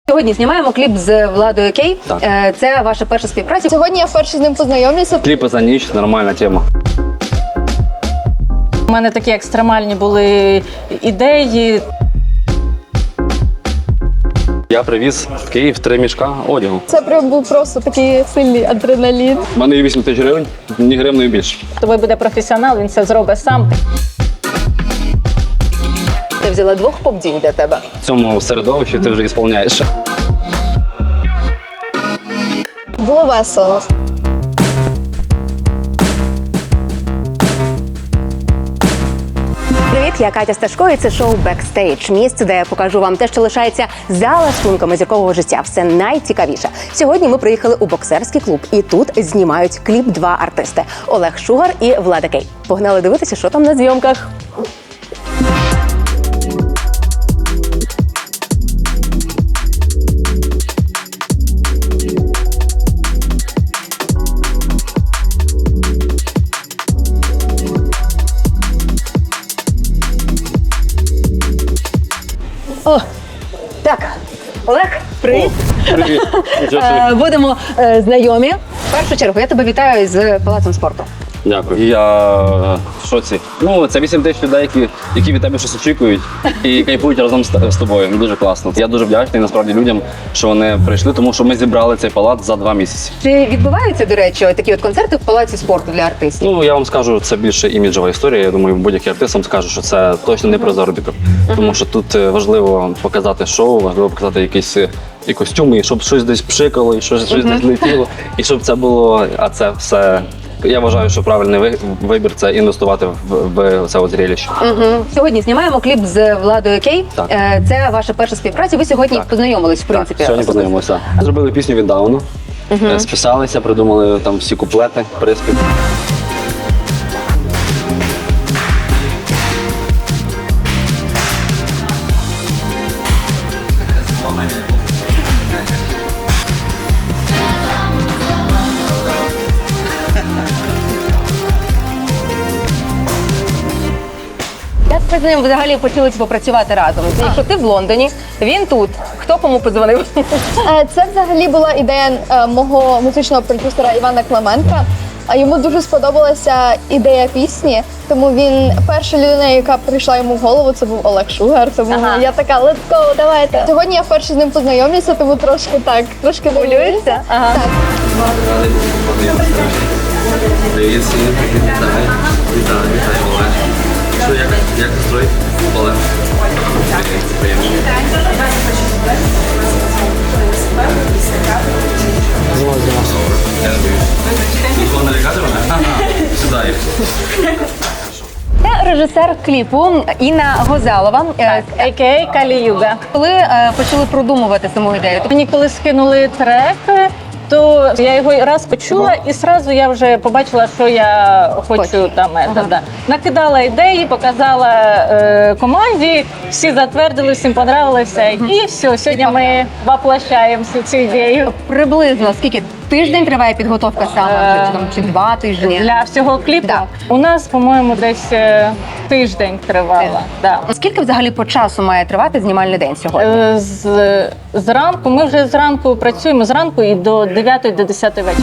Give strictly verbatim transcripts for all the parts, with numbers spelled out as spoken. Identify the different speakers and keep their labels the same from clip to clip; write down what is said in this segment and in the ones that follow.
Speaker 1: Сьогодні знімаємо кліп з Владою Кей.
Speaker 2: Так.
Speaker 1: Це ваша перша співпраця.
Speaker 3: Сьогодні я вперше з ним познайомлюся.
Speaker 2: Кліпи за ніч, нормальна тема.
Speaker 4: У мене такі екстремальні були ідеї.
Speaker 2: Я привіз в Київ три мішка одягу.
Speaker 3: Це прям був просто такий сильний адреналін.
Speaker 2: У мене є вісім тисяч гривень, ні гривною більше.
Speaker 4: Тобі буде професіонал, він це зробить сам.
Speaker 1: Ти взяла двох поп-дій для тебе.
Speaker 2: В цьому середовищі ти вже ісполняєш.
Speaker 3: Було весело.
Speaker 1: Привіт, я Катя Сташко, і це шоу «Бекстейдж». Місце, де я покажу вам те, що лишається за лаштунками зіркового життя. Все найцікавіше. Сьогодні ми приїхали у боксерський клуб, і тут знімають кліп два артисти – Олег Шугар і Влада Кей. Погнали дивитися, що там на зйомках. О, так, Олег, привіт.
Speaker 2: Привіт.
Speaker 1: Е, Будемо е, знайомі. В першу чергу я тебе вітаю з Палацом спорту.
Speaker 2: Дякую. Я в шоці. Ну, це вісім тисяч людей, які, які від тебе щось очікують і кайфують разом з, з тобою. Дуже класно. Я дуже вдячний насправді людям, що вони прийшли, тому що ми зібрали цей палац за два місяці.
Speaker 1: Чи відбуваються, до речі, такі от концерти в Палаці спорту для артистів?
Speaker 2: Ну, я вам скажу, це більше іміджова історія. Я думаю, будь-який артист вам скаже, що це точно не про заробіток. Тому що тут е, важливо показати шоу, важливо показати якісь е, і костюми, і щоб щось десь пшикало, і щось, щось десь летіло, і щоб це було, а це все. Я вважаю, що правильний ви- вибір – це інвестувати в, в це от зрелище.
Speaker 1: Угу. Сьогодні знімаємо кліп з Владою Кей.
Speaker 2: Так.
Speaker 1: Е, Це ваша перша співпраця. Ви сьогодні
Speaker 2: Так.
Speaker 1: познайомились, в принципі.
Speaker 2: Так, сьогодні познайомилися. Зробили пісню віддавно, е, списалися, придумали там всі куплети, приспів.
Speaker 1: Як ви з ним взагалі почали попрацювати разом? Якщо ти в Лондоні, він тут. Хто кому подзвонив?
Speaker 3: Е, Це взагалі була ідея е, мого музичного продюсера Івана Клименка. А йому дуже сподобалася ідея пісні, тому він перша людина, яка прийшла йому в голову, це був Олег Шугар. Тому
Speaker 1: Ага.
Speaker 3: я така, let's go, давайте. Сьогодні я вперше з ним познайомлюся, тому трошки так, трошки хвилююся.
Speaker 1: Ага.
Speaker 3: Так.
Speaker 2: Привіт всім, вітаю, вітаю, вітаю, Олег. Що, як, як настрой? Олег. Приємно. Я не боюсь. Нікого не лякати мене? Ага, сюди.
Speaker 1: Це режисер кліпу Інна Гозалова. Е,
Speaker 4: а ка а. Калі-Юга.
Speaker 1: Коли е, почали продумувати саму ідею?
Speaker 4: Мені коли скинули трек, то я його раз почула, і одразу я вже побачила, що я хочу
Speaker 1: Хочеш.
Speaker 4: там.
Speaker 1: Ага.
Speaker 4: Ага. Да. Накидала ідеї, показала е, команді, всі затвердили, всім понравилося. І все, сьогодні ми воплощаємо всю цю ідею.
Speaker 1: Приблизно скільки тиждень триває підготовка саме,
Speaker 4: Е,
Speaker 1: чи, там, чи два тижні?
Speaker 4: Для всього кліпу
Speaker 1: Да.
Speaker 4: у нас, по-моєму, десь е, тиждень тривала. Да.
Speaker 1: Скільки взагалі по часу має тривати знімальний день сьогодні?
Speaker 4: Е, З, зранку, ми вже зранку працюємо зранку і до дев'ятої, до десятої вечора.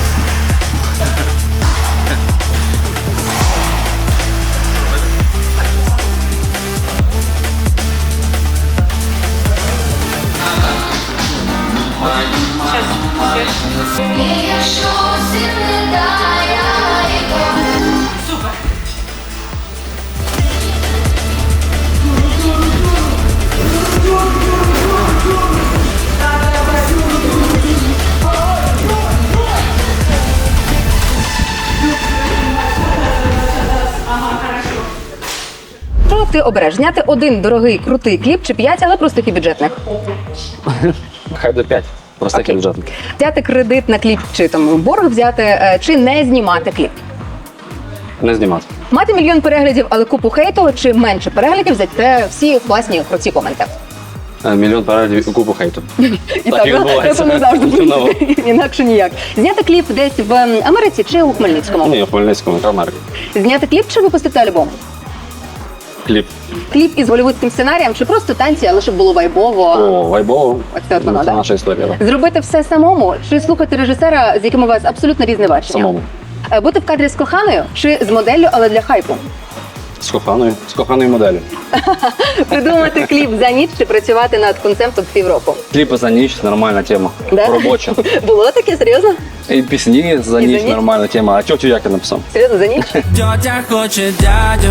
Speaker 1: Що ти обереш? Зняти один дорогий, крутий кліп чи п'ять, але простих і бюджетних?
Speaker 2: Хай до п'ять. Простих
Speaker 1: Окей.
Speaker 2: бюджетних.
Speaker 1: Взяти кредит на кліп, чи там борг взяти, е, чи не знімати кліп?
Speaker 2: Не знімати.
Speaker 1: Мати мільйон переглядів, але купу хейту, чи менше переглядів, зате всі класні, круті коменти.
Speaker 2: Е, Мільйон переглядів і купу хейту.
Speaker 1: І
Speaker 2: Так і відбувається.
Speaker 1: це не завжди
Speaker 2: Знову.
Speaker 1: інакше ніяк. Зняти кліп десь в Америці чи у Хмельницькому?
Speaker 2: Ні, в Хмельницькому, яка Америка.
Speaker 1: Зняти кліп чи випустити альбом?
Speaker 2: Кліп.
Speaker 1: Кліп із голівудським сценарієм чи просто танці, але щоб було вайбово?
Speaker 2: О, вайбово.
Speaker 1: Оце от воно,
Speaker 2: Це
Speaker 1: да?
Speaker 2: наша історія. Да.
Speaker 1: Зробити все самому чи слухати режисера, з яким у вас абсолютно різне бачення?
Speaker 2: Самому.
Speaker 1: Е, Бути в кадрі з коханою чи з моделлю, але для хайпу?
Speaker 2: З коханою. З коханою моделі.
Speaker 1: Придумати кліп за ніч чи працювати над концептом півроку?
Speaker 2: Кліпи за ніч нормальна тема.
Speaker 1: Да?
Speaker 2: Робоча.
Speaker 1: Було таке, серйозно?
Speaker 2: І пісні за
Speaker 1: І за
Speaker 2: ніч
Speaker 1: ніч?
Speaker 2: нормальна тема. А тьотю як я написав?
Speaker 1: Серйозно, за ніч?
Speaker 5: Тьотя хоче дядю.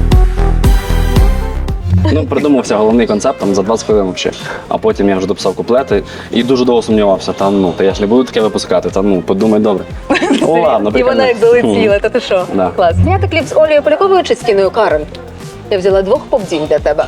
Speaker 2: Ну, придумався головний концепт там за двадцять хвилин взагалі. А потім я вже дописав куплети і дуже довго сумнівався. Там, ну, та я ж не буду таке випускати, та ну, подумай добре. О, ладно,
Speaker 1: І вона як залетіла, та ти що?
Speaker 2: Да.
Speaker 1: Клас. Зняти кліп з Олею Поляковою чи з Тіною Кароль? Я взяла двох поп-дінь для тебе.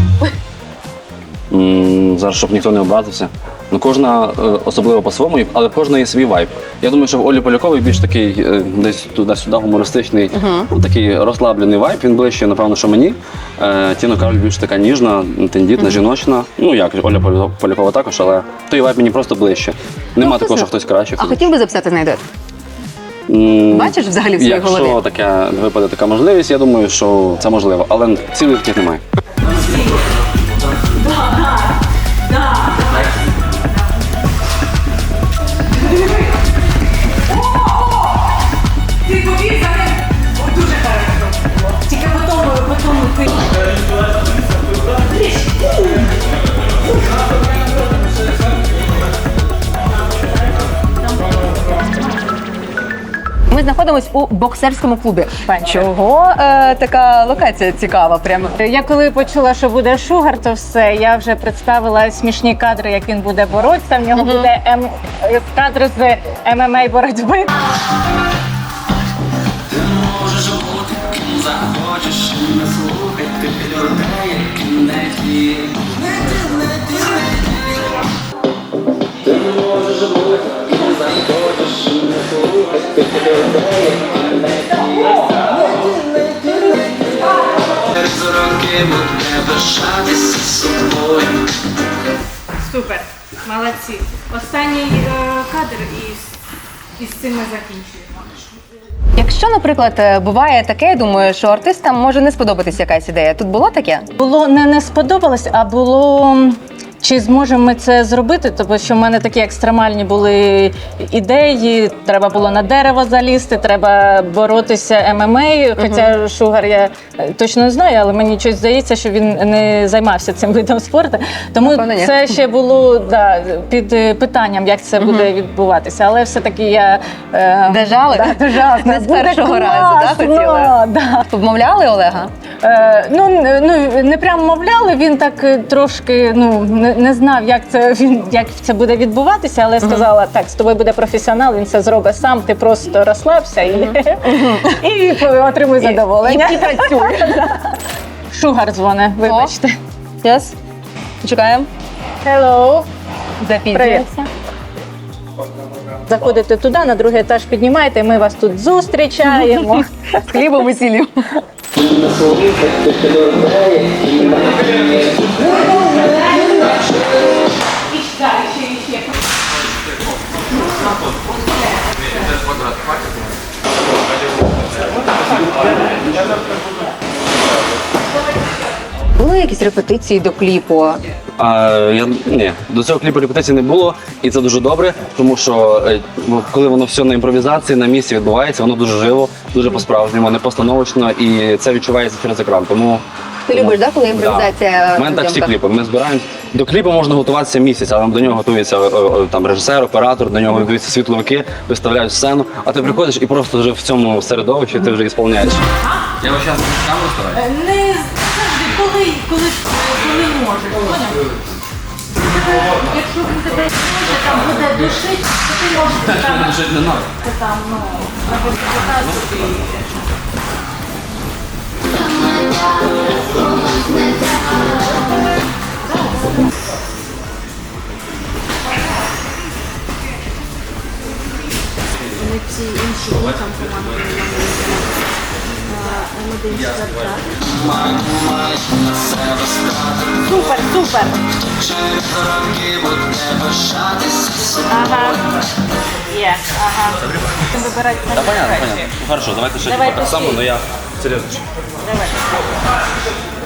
Speaker 2: М, Зараз, щоб ніхто не образився. Ну, кожна е, особливо по-своєму, але в кожної є свій вайб. Я думаю, що в Олі Поляковій більш такий е, десь туди-сюди гумористичний, uh-huh. такий розслаблений вайб. Він ближче, напевно, що мені. Е, Тіна Кароль більш така ніжна, тендітна, uh-huh. жіночна. Ну, як Оля Поля- Полякова також, але той вайб мені просто ближче. Нема
Speaker 1: Ну,
Speaker 2: такого,
Speaker 1: це-
Speaker 2: що хтось краще.
Speaker 1: А
Speaker 2: хтось
Speaker 1: хотів би записати з нею дует?
Speaker 2: М,
Speaker 1: Бачиш взагалі в своїй
Speaker 2: Якщо
Speaker 1: голові?
Speaker 2: таке випаде така можливість, я думаю, що це можливо. Але цілих таких немає.
Speaker 6: Ти побіг за ним. Ой, дуже хорошо. Тільки потім, потім ти.
Speaker 1: Ми знаходимось у боксерському клубі. Чого е, така локація цікава? Прямо
Speaker 4: Я коли почула, що буде Шугар, то все, я вже представила смішні кадри, як він буде боротися. В нього буде ем... кадри з ем ем а боротьби.
Speaker 5: Можеш бути ким захочеш, не слухай ти людей, які не ті. Не ті, не ті, не ті. Ти можеш бути ким захочеш, не слухай ти людей, які не ті. Через роки буде пишатися собою.
Speaker 6: Супер, молодці. Останній е, кадр і, з- і з цим ми закінчуємо.
Speaker 1: якщо, наприклад, е, буває таке, я думаю, що артистам може не сподобатись якась ідея. Тут було таке?
Speaker 4: Було не не сподобалось, а було. Чи зможемо ми це зробити? Тому що в мене такі екстремальні були ідеї. Треба було на дерево залізти, треба боротися ем ем а. Хоча Шугар я е, точно не знаю, але мені щось здається, що він не займався цим видом спорту. Тому
Speaker 1: Напевно, ні.
Speaker 4: це ще було да, під е, питанням, як це буде відбуватися. Але все-таки я е,
Speaker 1: Дожали?
Speaker 4: Да, дожала.
Speaker 1: Не з
Speaker 4: Буде
Speaker 1: першого разу, да,
Speaker 4: класно,
Speaker 1: хотіли?
Speaker 4: Да.
Speaker 1: Обмовляли Олега?
Speaker 4: Е, ну, н- ну, не прямо мовляли, він так е, трошки ну, не, не знав, як це, він, як це буде відбуватися, але сказала, так, з тобою буде професіонал, він це зробить сам, ти просто розслабся і, і отримуй задоволення.
Speaker 1: І, і працює.
Speaker 4: Шугар дзвоне, вибачте.
Speaker 1: Yes. Чекаємо.
Speaker 4: Hello.
Speaker 1: Запізнюється.
Speaker 4: Заходите туди, на другий етаж піднімаєте, ми вас тут зустрічаємо.
Speaker 1: З хлібом і сіллю.
Speaker 5: Не слухай ти людей, які не ті.
Speaker 1: Були якісь репетиції до кліпу?
Speaker 2: А, я, ні, до цього кліпу репетицій не було, і це дуже добре, тому що е, ну, коли воно все на імпровізації, на місці відбувається, воно дуже живо, дуже по-справжньому, не постановочно, і це відчувається через екран. Тому
Speaker 1: Ти любиш, да, коли імпровізація?
Speaker 2: У мене так
Speaker 1: в
Speaker 2: всі
Speaker 1: зйомках?
Speaker 2: кліпи. Ми збираємо. До кліпу можна готуватися місяць, але до нього готується е, е, там режисер, оператор, до нього готуються світловики, виставляють сцену, а ти приходиш і просто вже в цьому середовищі ти вже ісполняєш.
Speaker 5: Я ось зараз камеру стараюсь.
Speaker 6: Не завжди, коли, коли, коли можеш. Поняв? Якщо він тебе може, там буде душить, то ти можеш там,
Speaker 5: Жити не надо.
Speaker 6: там, ну, або депутату і...
Speaker 4: Супер, супер. Ага. Є, ага. Вибирати.
Speaker 2: Та понятно, понятно. Ну, хорошо, давайте ще
Speaker 4: Давай
Speaker 2: так само,
Speaker 4: пішли.
Speaker 2: але я серйозно.
Speaker 4: Давай.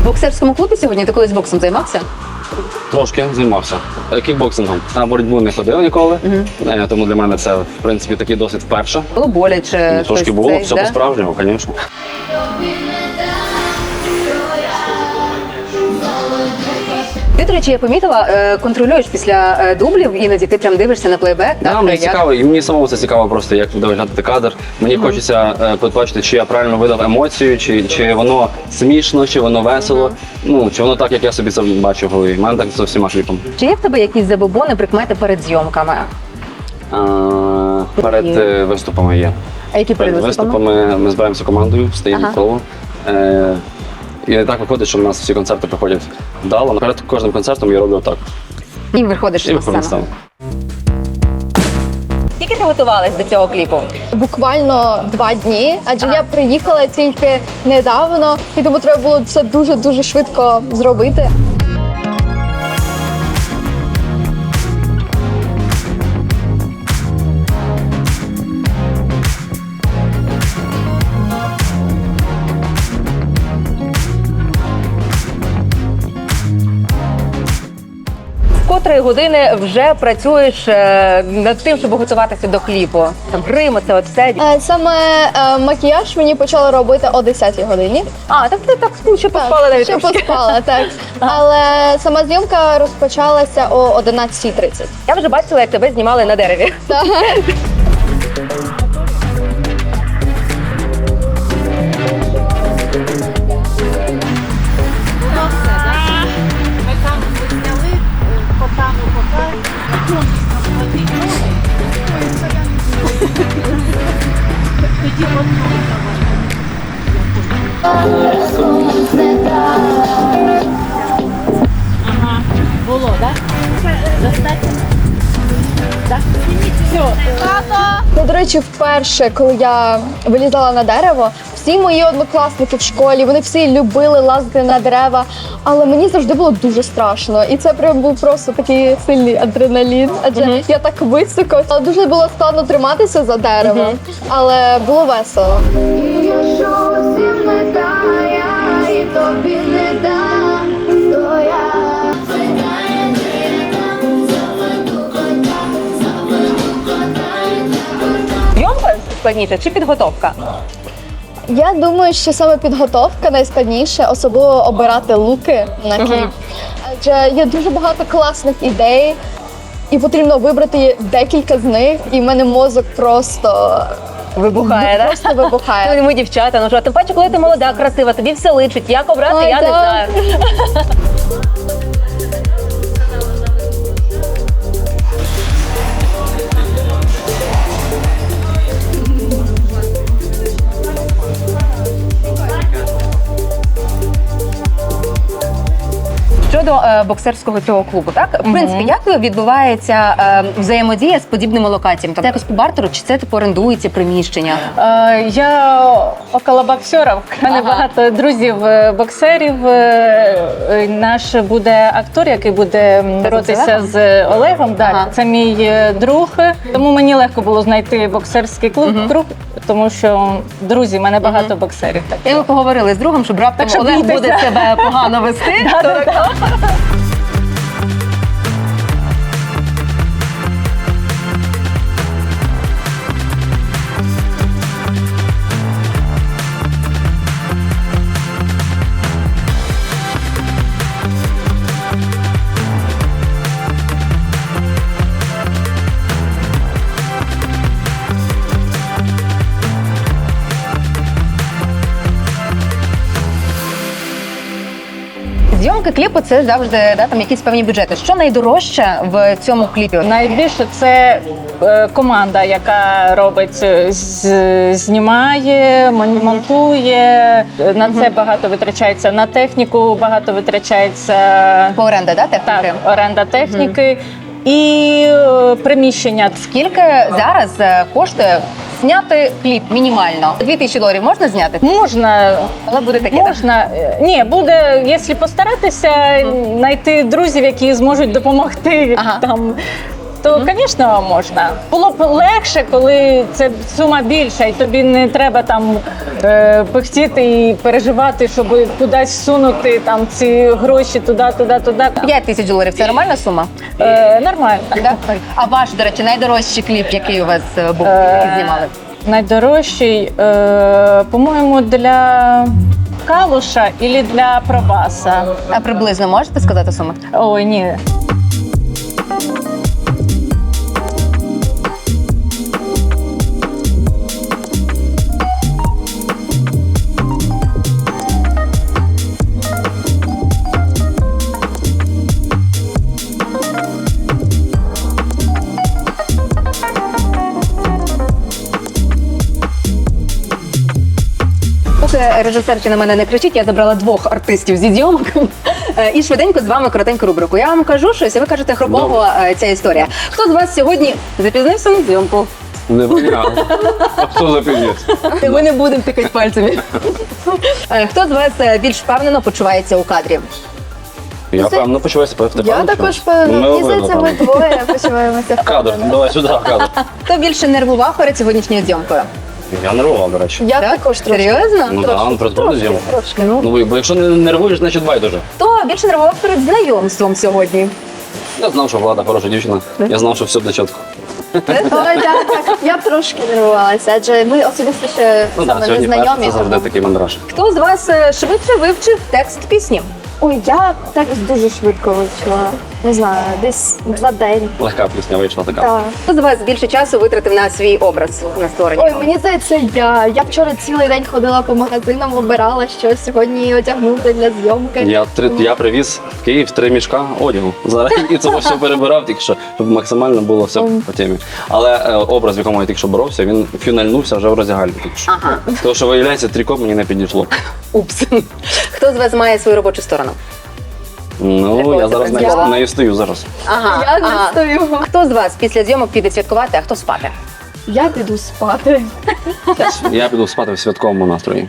Speaker 1: В боксерському клубі сьогодні ти колись боксом займався?
Speaker 2: Трошки займався Е, кікбоксингом. На боротьбу не ходив ніколи, Е, тому для мене це, в принципі, такий досвід вперше.
Speaker 1: Було боляче?
Speaker 2: Ну, Трошки
Speaker 1: щось
Speaker 2: було,
Speaker 1: цей,
Speaker 2: все
Speaker 1: да?
Speaker 2: по-справжньому, звісно.
Speaker 1: Ти, до речі, я помітила, е, контролюєш після е, дублів, іноді ти прям дивишся на плейбек.
Speaker 2: Да,
Speaker 1: так,
Speaker 2: мені
Speaker 1: як?
Speaker 2: цікаво, і мені самому це цікаво просто, як буде виглядати кадр. Мені хочеться е, побачити, чи я правильно видав емоцію, чи, чи воно смішно, чи воно весело. Ну, чи воно так, як я собі це бачу в голові. У мене так з усіма кліпами.
Speaker 1: Чи є в тебе якісь забобони, прикмети перед зйомками?
Speaker 2: А, перед е, виступами є.
Speaker 1: А які перед
Speaker 2: Перед
Speaker 1: виступами?
Speaker 2: виступами ми збираємося командою, стоїмо
Speaker 1: Ага.
Speaker 2: коло. Е, і так виходить, що в нас всі концерти проходять вдало. Перед кожним концертом я роблю так.
Speaker 1: І виходиш
Speaker 2: І
Speaker 1: на
Speaker 2: виходимо на
Speaker 1: сцену.
Speaker 2: сцену.
Speaker 1: Скільки ти готувалась до цього кліпу?
Speaker 3: Буквально два дні, адже я приїхала тільки недавно, і тому треба було це дуже-дуже швидко зробити.
Speaker 1: Котрої години вже працюєш е, над тим, щоб готуватися до кліпу? Там грим, це от все.
Speaker 3: Е, Саме е, макіяж мені почала робити о десятій годині.
Speaker 1: А, так ти так ще поспала навіть
Speaker 3: ще
Speaker 1: трошки.
Speaker 3: поспала, так. Але сама зйомка розпочалася о одинадцятій тридцять.
Speaker 1: Я вже бачила, як тебе знімали на дереві.
Speaker 3: Так.
Speaker 6: Ми там зняли котану кота, конкурсно платить ноги. Тоді одного Ага, було, так? Достатньо? Так? Все.
Speaker 3: Ну, до речі, вперше, коли я вилізала на дерево, всі мої однокласники в школі, вони всі любили лазити на дерева, але мені завжди було дуже страшно. І це прям був просто такий сильний адреналін, адже я так високо. Але дуже було складно триматися за дерево, але було весело.
Speaker 7: Якщо всім не дає, і тобі не дам, то я
Speaker 1: Зйомка складніше чи підготовка?
Speaker 3: Я думаю, що саме підготовка найскладніше, особливо обирати луки на кліп. Адже є дуже багато класних ідей, і потрібно вибрати декілька з них, і в мене мозок просто,
Speaker 1: Вибухає, так?
Speaker 3: просто вибухає.
Speaker 1: Ну, ми дівчата, ну що, тим паче, коли ти молода, красива, тобі все личить. Як обрати,
Speaker 3: Ой,
Speaker 1: я не
Speaker 3: так.
Speaker 1: знаю. Щодо е, боксерського цього клубу, так? В принципі, як відбувається е, взаємодія з подібними локаціями? Це якось по бартеру, чи це типу орендується приміщення?
Speaker 4: Е, Я около боксерів. У мене
Speaker 1: Ага.
Speaker 4: багато друзів е, боксерів. Е, е, Наш буде актор, який буде боротися
Speaker 1: Олегом?
Speaker 4: з Олегом. Так,
Speaker 1: Ага.
Speaker 4: це мій е, друг. Тому мені легко було знайти боксерський клуб, клуб, тому що друзі, в мене багато боксерів. Так.
Speaker 1: І ми поговорили з другом, щоб раптом
Speaker 4: Так що
Speaker 1: Олег
Speaker 4: бійтеся.
Speaker 1: буде себе погано вести. то так. Зйомки кліпу це завжди да, там якісь певні бюджети. Що найдорожче в цьому кліпі?
Speaker 4: Найбільше це е, команда, яка робить, е, з- знімає, мон- монтує. На це багато витрачається, на техніку багато витрачається.
Speaker 1: По оренда, да, техніки?
Speaker 4: Так, оренда техніки і е, приміщення.
Speaker 1: Скільки зараз е, коштує зняти кліп мінімально? Дві тисячі доларів можна зняти?
Speaker 4: Можна,
Speaker 1: Але буде таке. так?
Speaker 4: можна. е, Ні, буде, якщо постаратися, знайти друзів, які зможуть допомогти.
Speaker 1: Ага.
Speaker 4: Там, то, звісно, можна. Було б легше, коли це сума більша, і тобі не треба там е, пихтіти і переживати, щоб кудись всунути там ці гроші туди, туди, туди.
Speaker 1: п'ять тисяч доларів це нормальна сума?
Speaker 4: Е, нормально.
Speaker 1: Да? А ваш, до речі, найдорожчий кліп, який у вас е, був, який знімали?
Speaker 4: Найдорожчий, е, по-моєму, для Калуша і для Пробаса.
Speaker 1: А приблизно можете сказати суму?
Speaker 4: Ой, ні.
Speaker 1: Поки режисерка на мене не кричить, я забрала двох артистів зі зйомок Е, і швиденько з вами коротеньку рубрику. Я вам кажу щось, і ви кажете хропово е, ця історія. Хто з вас сьогодні запізнився на зйомку?
Speaker 2: Не виняв. А хто запізнився?
Speaker 1: Ми не будемо тикати пальцями. Е, Хто з вас е, більш впевнено почувається у кадрі?
Speaker 2: Я певно почуваюся в тебе.
Speaker 3: Я також певно. Мені здається, ми двоє почуваємося.
Speaker 2: Кадр, давай сюди, кадр.
Speaker 1: Хто більше нервував перед сьогоднішньою зйомкою?
Speaker 2: Я нервував, до речі.
Speaker 3: Я також трошки.
Speaker 1: Серйозно?
Speaker 2: Ну так, ну просто зйомку.
Speaker 3: Трошки.
Speaker 2: Ну, бо якщо не нервуєш, значить байдуже.
Speaker 1: Хто більше нервував перед знайомством сьогодні?
Speaker 2: Я знав, що Влада хороша дівчина. Я знав, що все буде чітко.
Speaker 3: Ой, так, так. Я б трошки нервувалася, адже ми особисто ще
Speaker 2: Ну
Speaker 3: саме
Speaker 2: так,
Speaker 3: не
Speaker 2: сьогодні перше,
Speaker 3: знайомі.
Speaker 2: це завжди такий мандраж.
Speaker 1: Хто з вас е, швидше вивчив текст пісні?
Speaker 3: Ой, я так дуже швидко вивчила. Не знаю, десь два день.
Speaker 2: Легка пісня вийшла така.
Speaker 3: Так.
Speaker 1: Хто з вас більше часу витратив на свій образ на створення?
Speaker 3: Ой, мені здається, я. Я вчора цілий день ходила по магазинам, обирала щось сьогодні одягнути для зйомки.
Speaker 2: Я, три, я привіз в Київ три мішка одягу. Зараз і це все перебирав, тільки що, щоб максимально було все по темі. Але е, образ, в якому я тільки що боровся, він фюнельнувся вже в роздягальні тільки що.
Speaker 1: Ага.
Speaker 2: Тому що, виявляється, тріко мені не підійшло.
Speaker 1: Упс. Хто з вас має свою робочу сторону?
Speaker 2: Ну,
Speaker 1: Якого
Speaker 2: я
Speaker 1: це
Speaker 2: зараз
Speaker 1: принципу?
Speaker 2: нею, нею стою зараз.
Speaker 1: Ага.
Speaker 3: Я не
Speaker 1: ага.
Speaker 3: стою.
Speaker 1: Хто з вас після зйомок піде святкувати, а хто спати?
Speaker 3: Я піду спати.
Speaker 2: Я піду спати в святковому настрої.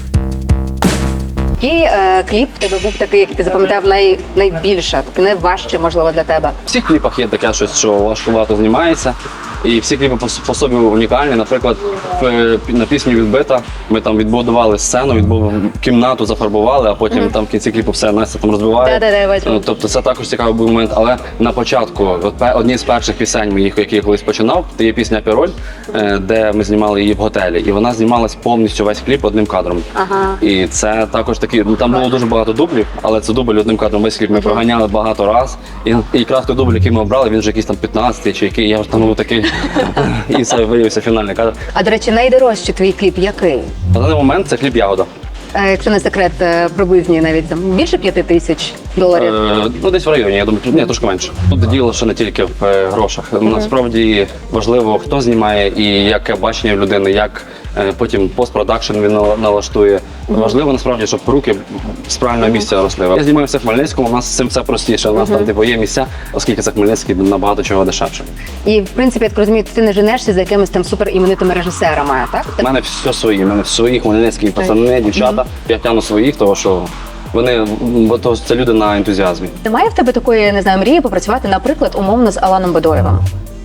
Speaker 1: Який е, кліп в тебе був такий, який ти запам'ятав най, найбільше, такий найважче, можливо, для тебе?
Speaker 2: В всіх кліпах є таке щось, що важкувато знімається. І всі кліпи по, по собі унікальні. Наприклад, в, на пісню «Відбита» ми там відбудували сцену, відбудували кімнату, зафарбували, а потім там в кінці кліпу все Настя там розбиває.
Speaker 1: Да-да-да, я бачу.
Speaker 2: Ну, тобто це також цікавий був момент. Але на початку, от пе- одні з перших пісень моїх, які я колись починав, це є пісня «Піроль», е, де ми знімали її в готелі. І вона знімалась повністю весь кліп одним кадром.
Speaker 1: Ага.
Speaker 2: І це також такі, ну там було дуже багато дублів, але це дубль одним кадром весь кліп ми проганяли багато раз. І, і якраз той дубль, який ми обрали, він вже якийсь там п'ятнадцятий чи який, я вже там був такий. І це виявився фінальний кадр.
Speaker 1: А, до речі, найдорожчий твій кліп який?
Speaker 2: На даний момент це кліп «Ягода».
Speaker 1: Е, якщо не секрет, е, приблизні навіть там більше п'яти тисяч доларів.
Speaker 2: Е, ну, десь в районі, я думаю, ні, трошки менше. Тут діло ще не тільки в е, грошах. Насправді важливо, хто знімає і яке бачення в людини, як е, потім постпродакшн він нала- налаштує. Важливо насправді, щоб руки з правильного місця росли. Я знімаюся в Хмельницькому, у нас з цим все простіше. У нас там типу, є місця, оскільки це Хмельницький набагато чого дешевше.
Speaker 1: І, в принципі, я так розумію, ти не женешся за якимись там суперіменитими режисерами, так?
Speaker 2: У мене все свої, у мене свої хмельницькі пацани, дівчата. Я тягну своїх, тому що вони, бо то це люди на ентузіазмі.
Speaker 1: Немає в тебе такої, не знаю, мрії попрацювати, наприклад, умовно з Аланом Бадоєвим?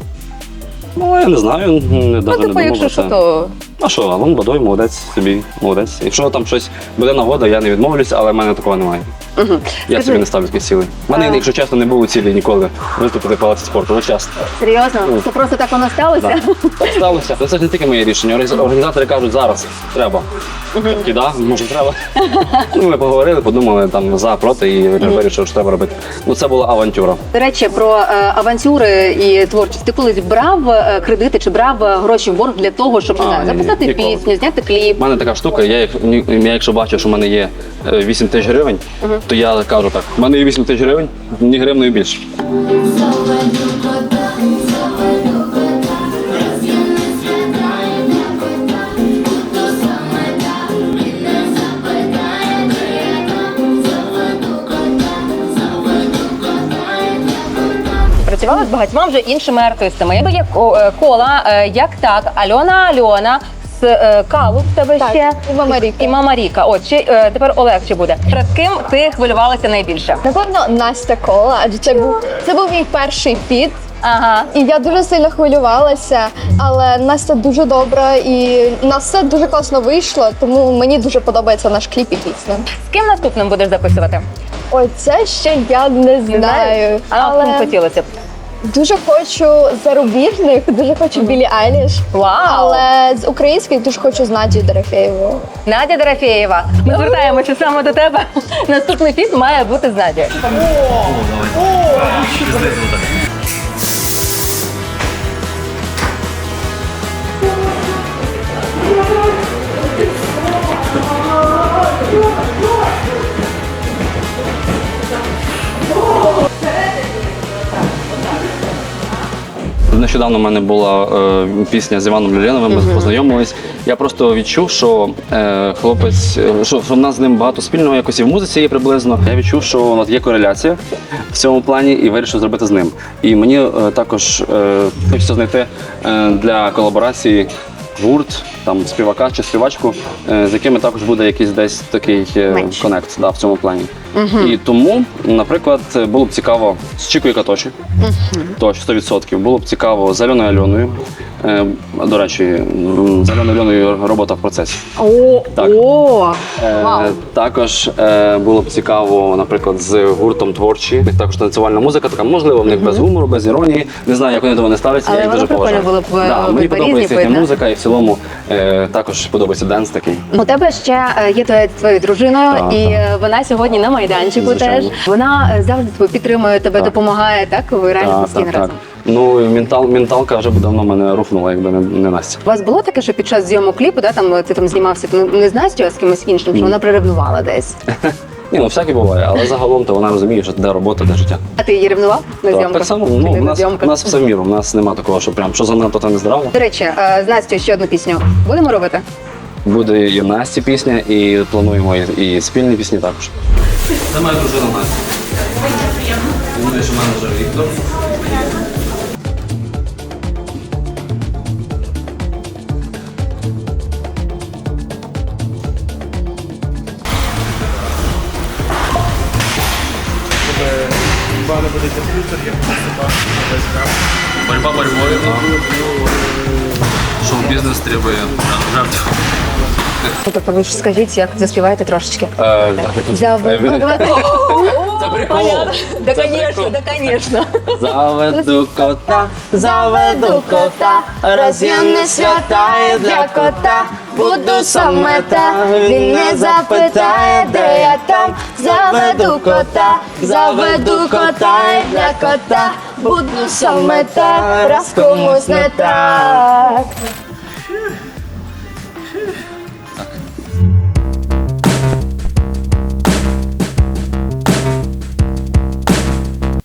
Speaker 2: Ну, я не знаю, не,
Speaker 1: Ну,
Speaker 2: навіть не
Speaker 1: типу,
Speaker 2: думав
Speaker 1: якщо
Speaker 2: про
Speaker 1: що,
Speaker 2: це.
Speaker 1: то
Speaker 2: А що, Алан Бадой, молодець собі, молодець. Якщо там щось буде нагода, я не відмовлюсь, але в мене такого немає.
Speaker 1: Угу.
Speaker 2: Я собі не ставлю таких цілей. У мене,
Speaker 1: А.
Speaker 2: якщо чесно, не було цілі ніколи виступити в палаці спорту. Ну, чесно.
Speaker 1: Серйозно? Це просто так воно сталося?
Speaker 2: Так. Так сталося. Це ж не тільки моє рішення. Організ- Організатори кажуть, зараз треба. І да, може треба. Ну, ми поговорили, подумали там за, проти і вирішили, що треба робити. Ну, це була авантюра.
Speaker 1: До речі, про е, авантюри і творчість. Ти колись брав е, кредити чи брав е, гроші в борг для того, щоб не
Speaker 2: А,
Speaker 1: знаю,
Speaker 2: ні, ні,
Speaker 1: записати
Speaker 2: ніколи.
Speaker 1: пісню, зняти кліп?
Speaker 2: У мене така штука, я, як- ні- я якщо бачу, що в мене є е, вісім тисяч гривень, то я кажу так, в мене є вісім тисяч гривень, ні гривнею більше.
Speaker 1: Працювала з багатьма вже іншими артистами. Якби є ко- е, кола, е, як так, Альона Альона, з е, Калу в тебе
Speaker 3: Так,
Speaker 1: ще.
Speaker 3: і Мама Ріка.
Speaker 1: І Мама Ріка. От, ще, е, тепер Олег ще буде. Перед ким ти хвилювалася найбільше?
Speaker 3: Напевно, Настя Кола, адже це був це був мій перший фіт.
Speaker 1: Ага.
Speaker 3: І я дуже сильно хвилювалася, але Настя дуже добра і у нас все дуже класно вийшло, тому мені дуже подобається наш кліп і пісня.
Speaker 1: З ким наступним будеш записувати?
Speaker 3: Ой, це ще я не знаю,
Speaker 1: А
Speaker 3: але
Speaker 1: ким хотілося б?
Speaker 3: дуже хочу зарубіжних, дуже хочу Білі Айліш.
Speaker 1: Вау!
Speaker 3: Але з українських дуже хочу з Надією Дорофєєвою.
Speaker 1: Надя Дорофєєва. Ми звертаємося саме до тебе. Наступний фіт має бути з Надією.
Speaker 2: Нещодавно в мене була е, пісня з Іваном Люленовим, ми познайомились. Я просто відчув, що е, хлопець, е, що, що в нас з ним багато спільного, якось і в музиці є приблизно. Я відчув, що от є кореляція в цьому плані і вирішив зробити з ним. І мені е, також е, хочеться знайти е, для колаборації гурт, там співака чи співачку, е, з якими також буде якийсь десь такий е,
Speaker 1: Меч.
Speaker 2: конект, да, в цьому плані. І тому, наприклад, було б цікаво з Чікою Катоші, то сто відсотків. Було б цікаво з Альоною Альоною. Е, До речі, м, з Альоною Альоною робота в процесі.
Speaker 1: О,
Speaker 2: Так.
Speaker 1: о,
Speaker 2: Е,
Speaker 1: вау.
Speaker 2: Також е, було б цікаво, наприклад, з гуртом творчі. У них також танцювальна музика, така можливо, в них без гумору, без іронії. Не знаю, як вони до мене ставляться,
Speaker 1: Але
Speaker 2: я їх
Speaker 1: воно
Speaker 2: дуже
Speaker 1: прикольно
Speaker 2: поважаю.
Speaker 1: було б, е,
Speaker 2: Да, мені
Speaker 1: обидва
Speaker 2: подобається
Speaker 1: різні
Speaker 2: їхня
Speaker 1: видно.
Speaker 2: музика, і в цілому е, також подобається денс такий.
Speaker 1: У тебе ще е, є твоя твоєю дружиною,
Speaker 2: Так,
Speaker 1: і
Speaker 2: так.
Speaker 1: е, вона сьогодні на майданчику
Speaker 2: Звичайно.
Speaker 1: теж. Вона е, завжди тебе підтримує, тебе
Speaker 2: Так.
Speaker 1: допомагає, так? Ви реально
Speaker 2: Так,
Speaker 1: постійно
Speaker 2: так,
Speaker 1: разом.
Speaker 2: так. Ну, і ментал, менталка вже б давно мене рухнула, якби не, не Настя.
Speaker 1: У вас було таке, що під час зйомок кліпу, да, там ти там знімався ну, не з Настю, а з кимось іншим, що вона приревнувала десь.
Speaker 2: Ні, ну всяке буває, але загалом то вона розуміє, що де робота, де життя.
Speaker 1: А ти її ревнував на
Speaker 2: Так,
Speaker 1: зйомках?
Speaker 2: так само,
Speaker 1: Чи
Speaker 2: ну,
Speaker 1: не
Speaker 2: у
Speaker 1: на
Speaker 2: нас,
Speaker 1: зйомках?
Speaker 2: у нас все в міру, у нас нема такого, що прям що занадто, то не здраво.
Speaker 1: До речі, е, з Настю ще одну пісню будемо робити?
Speaker 2: Буде і Насті пісня, і плануємо і, і спільні пісні також. Це моя дружина Настя. Думаю, що менеджер Віктор. Борьба борьбою, а шоу-бізнес требує жертв.
Speaker 1: Ну, тобто ви ж скажіть, як заспіваєте трошечки.
Speaker 2: Е,
Speaker 1: Заведу.
Speaker 2: Це прикол.
Speaker 1: Да,
Speaker 2: Це
Speaker 1: конечно,
Speaker 2: прикол.
Speaker 1: да, конечно.
Speaker 2: Заведу кота,
Speaker 3: Заведу кота, роз'ємне святає для кота. Буду саме та, він не запитає, де я там. Заведу кота, заведу кота і для кота. Буду саме та, раз комусь не так.